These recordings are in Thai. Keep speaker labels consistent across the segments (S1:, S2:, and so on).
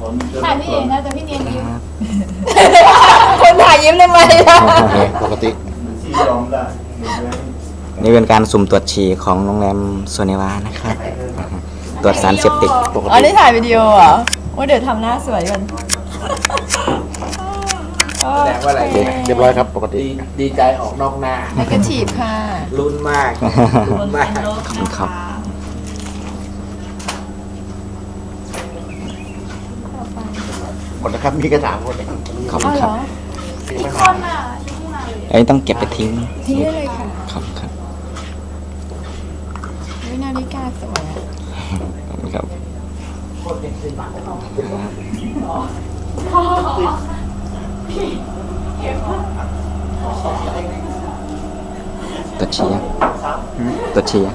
S1: ถ่ายพี่เองนะแต่พี่เนียนยิ้ม
S2: คนถ่ายยิ้มทำไมล่ะ
S3: ปกติ
S4: นี่เป็นการสุ่มตรวจฉี่ของโรงแรมโซเนวานะครับ ตรวจสารเสพติด
S3: ปก
S2: อ๋อ
S3: ติ
S2: นี่ถ่ายวิดีโอเหรอว่าเดี๋ยวทำหน้าสวยกัน
S5: แสดงว่าอะไร
S3: เรียบร้อยครับปกติ
S5: ดีใจออกนอกหน้า
S2: แล้วก็ถีบค่ะ
S5: ลุ้นมากลุ้นมาก
S4: ขอบคุณครับ
S3: หมดนะครับมีแค่3 คน
S4: ขอบคุ
S2: อ๋อ
S4: ณ
S2: เห
S4: ค
S2: ร
S4: รับ
S2: อ
S1: ทุกคนอ่ะที่มาเลย
S4: ไอ้ยต้องเก็บไปทิ้ง
S2: ทิ้งได้เลยค่ะ
S4: ขอบคุณครับ
S2: วินาฬิกาสวยอะ
S4: ขอบคุณครับตรวจฉี่ยังตรวจฉี่ยัง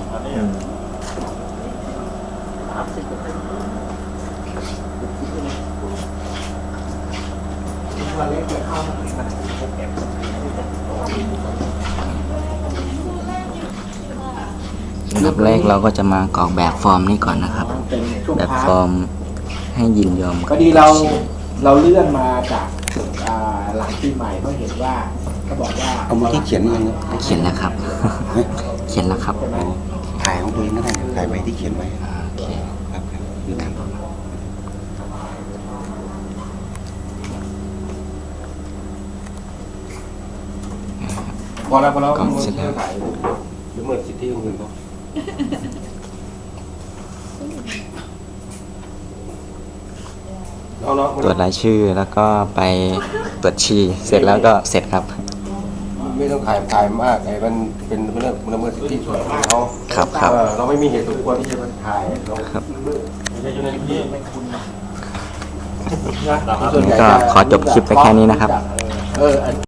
S4: อันดับแรกเราก็จะมากรอกแบบฟอร์มนี้ก่อนนะครับ แบบฟอร์มให้ยินยอม
S5: พอดีเราเลื่อนมาจากหลังปีใหม่เพราะเห็นว่าเขาบอกว่า
S3: เอามือที่เขียนนี่ยัง
S4: เขียนแล้วครับ เขียนแล้วครับ
S3: ถ่ายของตัวเองก็ได้ถ่ายไว้ที่เขียนไว้
S4: โอเค
S3: ครับครับ
S5: พอแล้ว
S4: กล่องเสร็จแล้ว
S5: ถ่ายหรือเมื่อสิทธิของคุณเขาเอาเนาะ
S4: ตรวจรายชื่อแล้วก็ไปตรวจฉี่เสร็จแล้วก็เสร็จครับ
S5: ไม่ต้องถ่ายมากไอ้มันเป็นเรื่องละเมิดสิทธิส่วนของเขา
S4: ครับครับ
S5: เราไม่มีเหตุสมควรที่จะมาถ่ายเรา
S4: ครับ
S5: ส่วนใหญ่
S4: ก็ขอจบคลิปไปแค่นี้นะครับ
S5: เออ